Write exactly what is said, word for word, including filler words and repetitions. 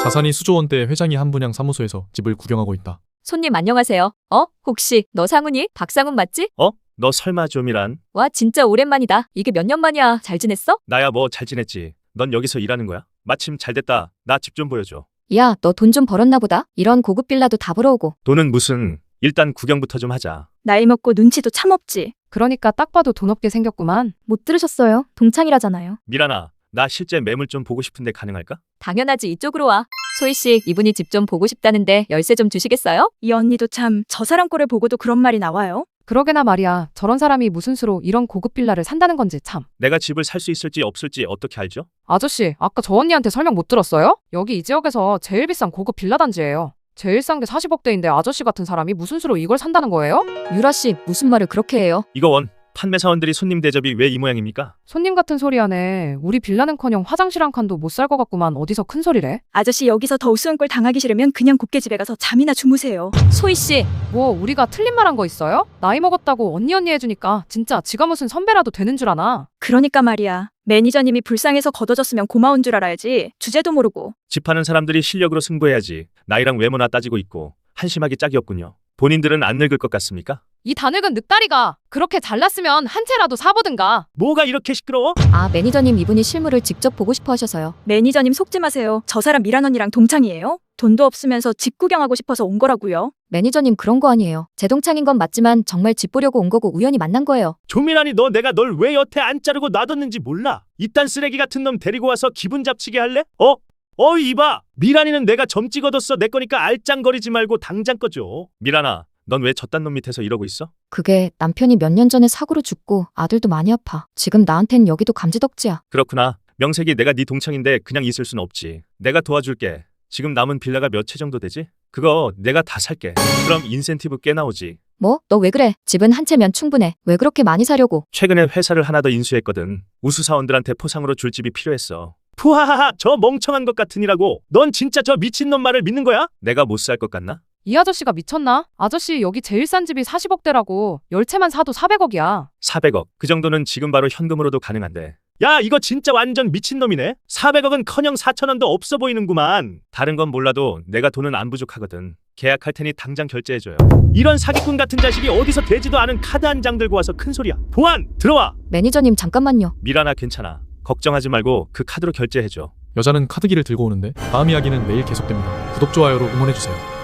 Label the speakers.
Speaker 1: 자산이 수조 원대 회장이 한 분양 사무소에서 집을 구경하고 있다.
Speaker 2: 손님 안녕하세요. 어? 혹시 너 상훈이? 박상훈 맞지?
Speaker 3: 어? 너 설마 좀이란?
Speaker 2: 와 진짜 오랜만이다. 이게 몇 년 만이야. 잘 지냈어?
Speaker 3: 나야 뭐 잘 지냈지. 넌 여기서 일하는 거야? 마침 잘 됐다. 나 집 좀 보여줘.
Speaker 2: 야, 너 돈 좀 벌었나 보다. 이런 고급 빌라도 다 벌어오고.
Speaker 3: 돈은 무슨. 일단 구경부터 좀 하자.
Speaker 4: 나이 먹고 눈치도 참 없지.
Speaker 5: 그러니까 딱 봐도 돈 없게 생겼구만.
Speaker 4: 못 들으셨어요? 동창이라잖아요.
Speaker 3: 미란아, 나 실제 매물 좀 보고 싶은데 가능할까?
Speaker 2: 당연하지. 이쪽으로 와. 소희 씨, 이분이 집 좀 보고 싶다는데 열쇠 좀 주시겠어요?
Speaker 4: 이 언니도 참 저 사람 꼴을 보고도 그런 말이 나와요?
Speaker 5: 그러게나 말이야. 저런 사람이 무슨 수로 이런 고급 빌라를 산다는 건지 참.
Speaker 3: 내가 집을 살 수 있을지 없을지 어떻게 알죠?
Speaker 5: 아저씨, 아까 저 언니한테 설명 못 들었어요? 여기 이 지역에서 제일 비싼 고급 빌라 단지예요. 제일 싼 게 사십억대인데 아저씨 같은 사람이 무슨 수로 이걸 산다는 거예요?
Speaker 2: 유라 씨, 무슨 말을 그렇게 해요?
Speaker 3: 이거 원. 판매사원들이 손님 대접이 왜 이 모양입니까?
Speaker 5: 손님 같은 소리 하네. 우리 빌라는커녕 화장실 한 칸도 못 살 것 같구만. 어디서 큰 소리래?
Speaker 4: 아저씨 여기서 더 우스운 꼴 당하기 싫으면 그냥 곱게 집에 가서 잠이나 주무세요.
Speaker 2: 소희 씨,
Speaker 5: 뭐 우리가 틀린 말 한 거 있어요? 나이 먹었다고 언니 언니 해주니까 진짜 지가 무슨 선배라도 되는 줄 아나?
Speaker 4: 그러니까 말이야. 매니저님이 불쌍해서 걷어줬으면 고마운 줄 알아야지. 주제도 모르고.
Speaker 3: 집 파는 사람들이 실력으로 승부해야지. 나이랑 외모나 따지고 있고 한심하기 짝이 없군요. 본인들은 안 늙을 것 같습니까?
Speaker 5: 이 다늙은 늑다리가 그렇게 잘났으면 한 채라도 사보든가.
Speaker 3: 뭐가 이렇게 시끄러워?
Speaker 2: 아 매니저님 이분이 실물을 직접 보고 싶어 하셔서요.
Speaker 4: 매니저님 속지 마세요. 저 사람 미란 언니랑 동창이에요? 돈도 없으면서 집 구경하고 싶어서 온 거라고요.
Speaker 2: 매니저님 그런 거 아니에요. 제 동창인 건 맞지만 정말 집 보려고 온 거고 우연히 만난 거예요.
Speaker 3: 조민아니 너 내가 널 왜 여태 안 자르고 놔뒀는지 몰라? 이딴 쓰레기 같은 놈 데리고 와서 기분 잡치게 할래? 어? 어 이봐! 미란이는 내가 점 찍어뒀어. 내 거니까 알짱거리지 말고 당장 꺼줘. 미란아, 넌 왜 저딴 놈 밑에서 이러고 있어?
Speaker 2: 그게 남편이 몇 년 전에 사고로 죽고 아들도 많이 아파. 지금 나한텐 여기도 감지덕지야.
Speaker 3: 그렇구나. 명색이 내가 네 동창인데 그냥 있을 순 없지. 내가 도와줄게. 지금 남은 빌라가 몇 채 정도 되지? 그거 내가 다 살게. 그럼 인센티브 꽤 나오지.
Speaker 2: 뭐? 너 왜 그래? 집은 한 채면 충분해. 왜 그렇게 많이 사려고?
Speaker 3: 최근에 회사를 하나 더 인수했거든. 우수사원들한테 포상으로 줄 집이 필요했어. 푸하하하, 저 멍청한 것 같으니라고. 넌 진짜 저 미친놈 말을 믿는 거야? 내가 못 살 것 같나?
Speaker 5: 이 아저씨가 미쳤나? 아저씨 여기 제일 싼 집이 사십억대라고. 열 채만 사도 사백억이야.
Speaker 3: 사백억. 그 정도는 지금 바로 현금으로도 가능한데. 야, 이거 진짜 완전 미친놈이네. 사백억은 커녕 사천원도 없어 보이는구만. 다른 건 몰라도 내가 돈은 안 부족하거든. 계약할 테니 당장 결제해줘요. 이런 사기꾼 같은 자식이 어디서 되지도 않은 카드 한 장 들고 와서 큰 소리야. 보안, 들어와.
Speaker 2: 매니저님 잠깐만요.
Speaker 3: 미란아, 괜찮아. 걱정하지 말고 그 카드로 결제해줘.
Speaker 1: 여자는 카드기를 들고 오는데 다음 이야기는 내일 계속됩니다. 구독, 좋아요로 응원해주세요.